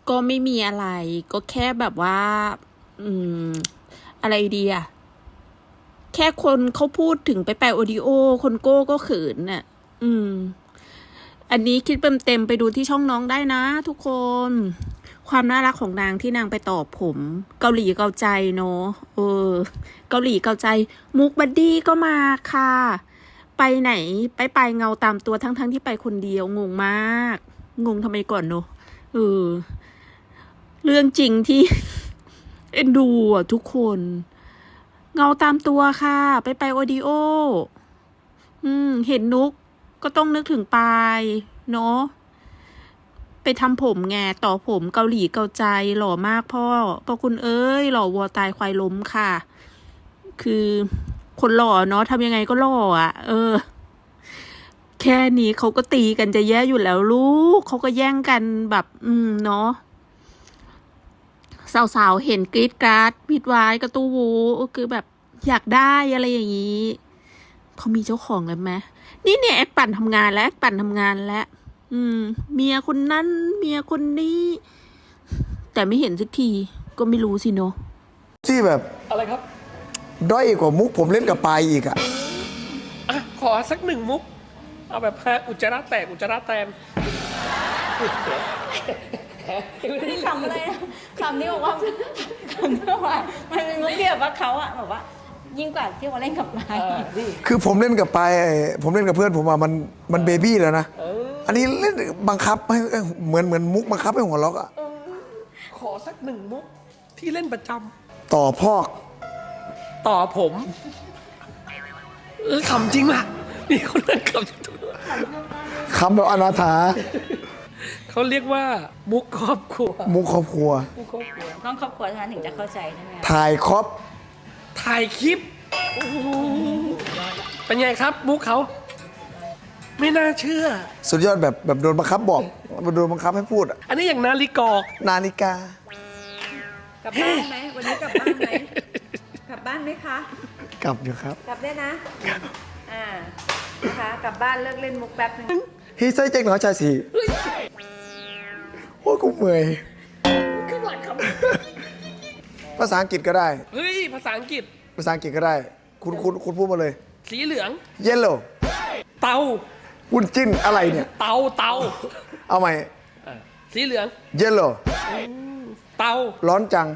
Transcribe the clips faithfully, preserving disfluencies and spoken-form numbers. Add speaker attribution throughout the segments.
Speaker 1: ก็ไม่มีอะไรก็แค่แบบว่า อืม อะไรดีอะแค่คนเขาพูดถึงไปแปลโอดิโอคนโก้ก็เขินน่ะ อืม อันนี้คิดเต็มเต็มไปดูที่ช่องน้องได้นะทุกคน ความน่ารักของนางที่นางไปตอบผม เกาหลีเกาใจเนาะเออ เกาหลีเกาใจ มุกบัดดี้ก็มาค่ะ ไปไหนไปไปเงาตามตัวทั้งทั้งที่ไปคนเดียวงงมาก งงทำไมก่อนเนาะเออ เรื่องจริงที่ เอ็นดูอ่ะทุกคน เงาตามตัวค่ะ ไปไปโอดิโอ อืม เห็นนุกก็ต้องนึกถึงปายเนาะไปทำผมไงต่อผมเกาหลีเกาใจหล่อมากพ่อพ่อคุณเอ้ยหล่อวัวตายควายล้มค่ะ คือคนหล่อเนาะทำยังไงก็หล่ออ่ะ เออ แค่นี้เขาก็ตีกันจะแย่อยู่แล้วลูกเขาก็แย่งกันแบบ อืมเนาะสาวๆเห็นกรีดกราดมิดไว้กระตู้วูคือแบบอยากได้อะไรอย่างนี้เขามีเจ้าของแล้วไหมนี่เนี่ยแอคปั่นทำงานแล้วแอคปั่นทำงานแล้ว อืม เมียคนนั้นเมียคนนี้ แต่ไม่เห็นสักทีก็ไม่รู้สิเนาะ
Speaker 2: ที่แบบ
Speaker 3: อะไรครับ
Speaker 2: ด้อยกว่ามุกผมเล่นกับปายอีกอะ
Speaker 3: อ่ะ ขอสักหนึ่งมุก เอาแบบฮะอุจจาระแตก อุจจาระแตน
Speaker 4: ที่คำอะไรนะคำนี้บอกว่าคำที่ว่ามันเป็นมุกที่แบบว่าเขาอะแบบว่า ยิ่งกว่าที่เขาเล่นกับนาย
Speaker 2: คือผมเล่นกับปายไอ้ผมเล่นกับเพื่อนผมอะมันมันเบบี้แล้วนะอันนี้เล่นบังคับให้เหมือนเหมือนมุกบังคับให้หัวเราะอะ
Speaker 3: ขอสักหนึ่งมุก ที่เล่นประจ
Speaker 2: ต่อพอก
Speaker 3: ำ ต่อผม เออขำจริงล่ะ มีคนนั่งขำทุก
Speaker 2: คำแบบอนาถา
Speaker 3: เขาเรียกว่า มุกครอบครัว
Speaker 2: มุกครอบครัว
Speaker 3: มุกครอบครัว
Speaker 4: ต้องครอบครัวเท่านั้นถึงจะเข้าใจใช่ไหมคะ
Speaker 2: ถ่ายครอบ
Speaker 3: ถ่ายคลิปโอ้โหเป็นไงครับ มุกเขา ไม่น่าเชื่อ
Speaker 2: สุดยอดแบบแบบโดนบังคับบอกโดนบังคับให้พูดอะ
Speaker 3: อันนี้อย่างนาฬิกอก
Speaker 2: นาฬิกา
Speaker 4: กลับบ้านไหมวันนี้กลับบ้านไหมกลับบ้านไหมคะ
Speaker 2: กลับอยู่ครับ
Speaker 4: กลับได้นะอ่านะคะกลับบ้านเลิกเล่นมุกแป๊บนึง
Speaker 2: ฮีไซเจ๊งหนอชายสีโอ้ยกูเมื่อย
Speaker 3: ข้างหลังครับ
Speaker 2: ภาษาอังกฤษก็ได้
Speaker 3: เฮ้ย ภาษาอังกฤษ
Speaker 2: ภาษาอังกฤษก็ได้ คุณคุณคุณพูดมาเลย
Speaker 3: สีเหลือง
Speaker 2: เยลโล่
Speaker 3: เตา
Speaker 2: คุณจิ้นอะไรเนี่ย
Speaker 3: เตา เตา
Speaker 2: เอาใหม่
Speaker 3: อ่ะสีเหลือง
Speaker 2: เยลโล่
Speaker 3: เตา
Speaker 2: ร้อนจัง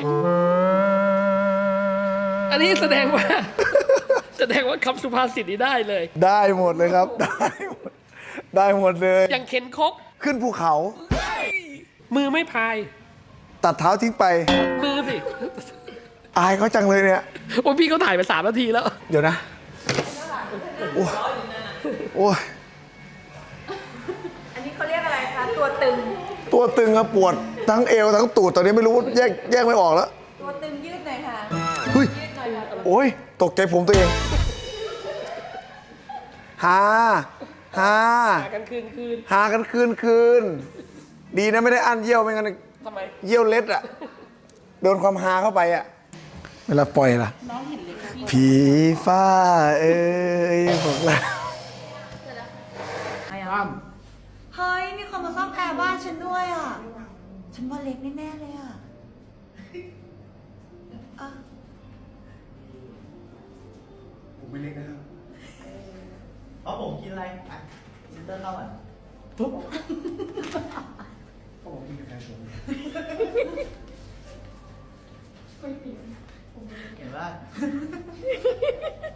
Speaker 3: อันนี้แสดงว่า แสดงว่าคำสุภาษิตนี้ได้เลย
Speaker 2: ได้หมดเลยครับ ได้หมดได้หมดเลย
Speaker 3: อย่างเข็นคก
Speaker 2: ขึ้นภูเขา
Speaker 3: มือไม่พาย
Speaker 2: ตัดเท้าทิ้งไป
Speaker 3: มือสิ
Speaker 2: อายเขาจังเลยเนี่ย
Speaker 3: โอ้ยพี่เขาถ่ายไปสามนาทีแล้ว
Speaker 2: เดี๋ยวนะ โอ้ยโอ้ย
Speaker 4: อันนี้เขาเรียกอะไรคะตัวตึง
Speaker 2: ตัวตึงครับปวดทั้งเอวทั้งตูดตอนนี้ไม่รู้แยกแยกไม่ออกแล้ว
Speaker 4: ตัวตึงยืดหน่อยค่ะ
Speaker 2: เฮ้ย
Speaker 4: ยืดหน่อยค่ะ
Speaker 2: โอ้ย ตกใจผมตัวเองฮาฮา
Speaker 3: หากันคืนคืน
Speaker 2: หากันคืนคืน ดีนะไม่ได้อั้นเยี่ยวไม่งั้น
Speaker 3: ทำไม
Speaker 2: เยี่ยวเล็ดอะโดนความฮาเข้าไปอะเวลาปล่อยล่ะผีฟ้าเอ้ยบอกแล้ว
Speaker 5: เฮ้ย มีคนมาซ่อมแอร์บ้านฉันด้วยอ่ะ ฉันว่าเล็กแน่ๆเลยอ่ะอ่ะ
Speaker 2: ผมไม่เล็กนะครับ
Speaker 6: เอาผมกินอะไรอ่ะซิสเตอร์เข้าอ่ะ
Speaker 2: ปุ๊บเขาบอกกินกาแฟผม
Speaker 6: เห็นว่า